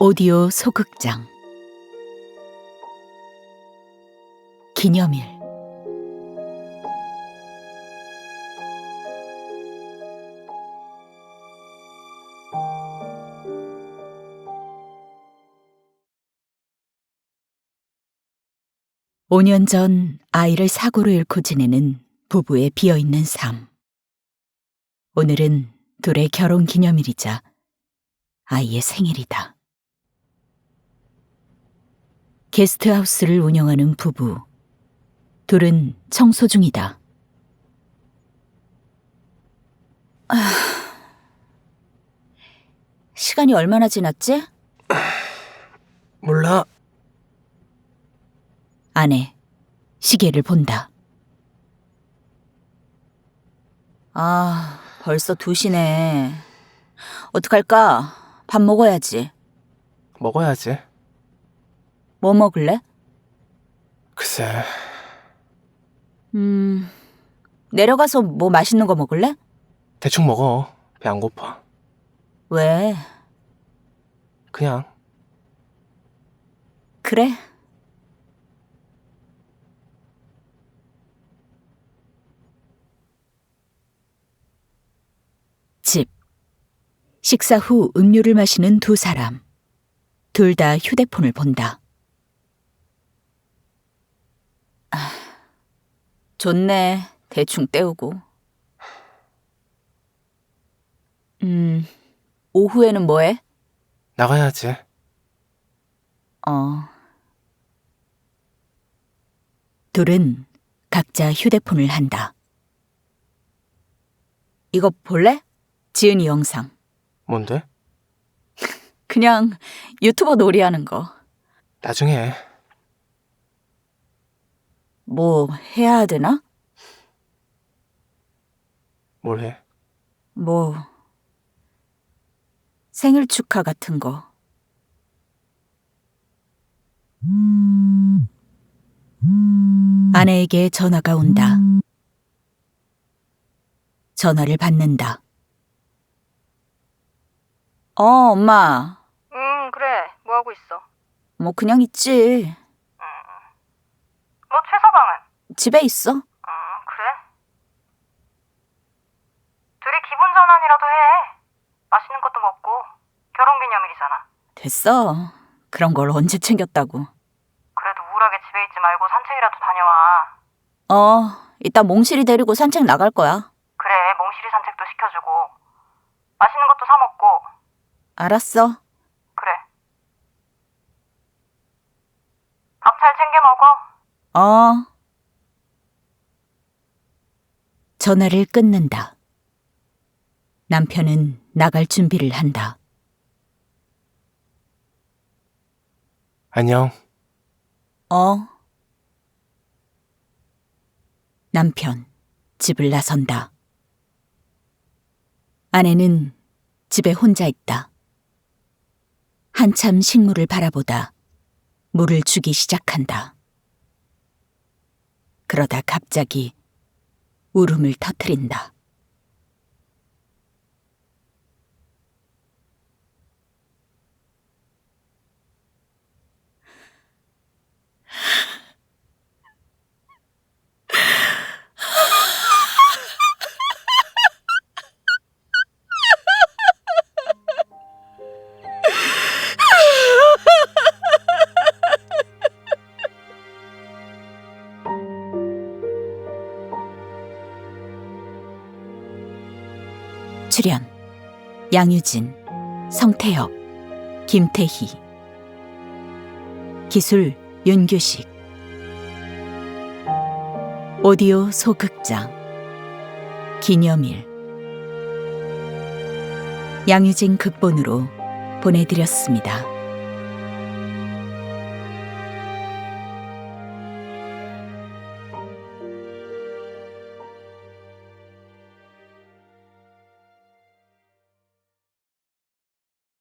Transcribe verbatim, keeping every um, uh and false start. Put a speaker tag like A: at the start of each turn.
A: 오디오 소극장 기념일. 오 년 전 아이를 사고로 잃고 지내는 부부의 비어있는 삶. 오늘은 둘의 결혼 기념일이자 아이의 생일이다. 게스트하우스를 운영하는 부부. 둘은 청소 중이다. 아... 시간이 얼마나 지났지?
B: 몰라.
A: 아내, 시계를 본다. 아, 벌써 두 시네. 어떡할까? 밥 먹어야지.
B: 먹어야지.
A: 뭐 먹을래?
B: 글쎄.
A: 음... 내려가서 뭐 맛있는 거 먹을래?
B: 대충 먹어. 배 안 고파.
A: 왜?
B: 그냥.
A: 그래. 집. 식사 후 음료를 마시는 두 사람. 둘 다 휴대폰을 본다. 아, 좋네. 대충 때우고. 음, 오후에는 뭐해?
B: 나가야지.
A: 어. 둘은 각자 휴대폰을 한다. 이거 볼래? 지은이 영상.
B: 뭔데?
A: 그냥 유튜버 놀이하는 거.
B: 나중에 해.
A: 뭐 해야 되나?
B: 뭘 해?
A: 뭐 생일 축하 같은 거. 아내에게 전화가 온다. 전화를 받는다. 어, 엄마.
C: 응, 그래. 뭐 하고 있어?
A: 뭐 그냥 있지.
C: 뭐 최서방은?
A: 집에 있어.
C: 응, 그래? 둘이 기분 전환이라도 해. 맛있는 것도 먹고. 결혼기념일이잖아.
A: 됐어. 그런 걸 언제 챙겼다고.
C: 그래도 우울하게 집에 있지 말고 산책이라도 다녀와.
A: 어, 이따 몽실이 데리고 산책 나갈 거야.
C: 그래, 몽실이 산책도 시켜주고. 맛있는 것도 사 먹고.
A: 알았어.
C: 그래. 밥 잘 챙겨 먹어.
A: 어. 전화를 끊는다. 남편은 나갈 준비를 한다.
B: 안녕.
A: 어. 남편, 집을 나선다. 아내는 집에 혼자 있다. 한참 식물을 바라보다 물을 주기 시작한다. 그러다 갑자기 울음을 터뜨린다. 출연 양유진, 성태혁, 김태희. 기술 윤규식. 오디오 소극장 기념일. 양유진 극본으로 보내드렸습니다.